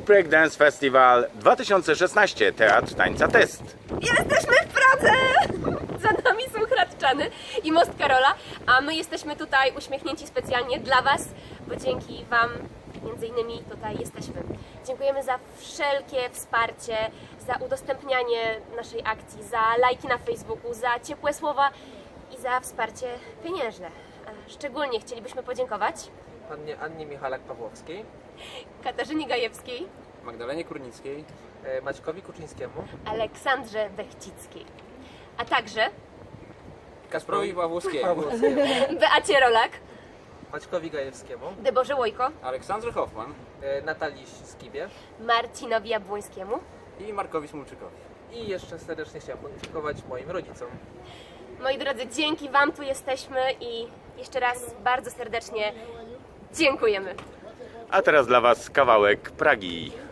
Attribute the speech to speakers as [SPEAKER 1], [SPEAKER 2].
[SPEAKER 1] Breakdance Festival 2016, Teatr Tańca Test.
[SPEAKER 2] Jesteśmy w Pradze! Za nami są Hradczany i Most Karola, a my jesteśmy tutaj uśmiechnięci specjalnie dla Was, bo dzięki Wam między innymi tutaj jesteśmy. Dziękujemy za wszelkie wsparcie, za udostępnianie naszej akcji, za lajki na Facebooku, za ciepłe słowa i za wsparcie pieniężne. A szczególnie chcielibyśmy podziękować
[SPEAKER 3] Pannie Annie Michalak-Pawłowskiej,
[SPEAKER 2] Katarzynie Gajewskiej,
[SPEAKER 4] Magdalenie Kurnickiej,
[SPEAKER 3] Maćkowi Kuczyńskiemu,
[SPEAKER 2] Aleksandrze Bechcickiej, a także
[SPEAKER 4] Kasprowi Pawłowskiemu,
[SPEAKER 2] Beacie Rolak,
[SPEAKER 3] Maćkowi Gajewskiemu,
[SPEAKER 2] Deborze Łojko,
[SPEAKER 4] Aleksandrze Hoffman
[SPEAKER 3] Natalii Skibie
[SPEAKER 2] Marcinowi Jabłońskiemu.
[SPEAKER 4] i Markowi Smulczykowi.
[SPEAKER 3] i jeszcze serdecznie chciałem podziękować moim rodzicom.
[SPEAKER 2] Moi drodzy, dzięki Wam tu jesteśmy i jeszcze raz bardzo serdecznie dziękujemy.
[SPEAKER 1] A teraz dla Was kawałek Pragi.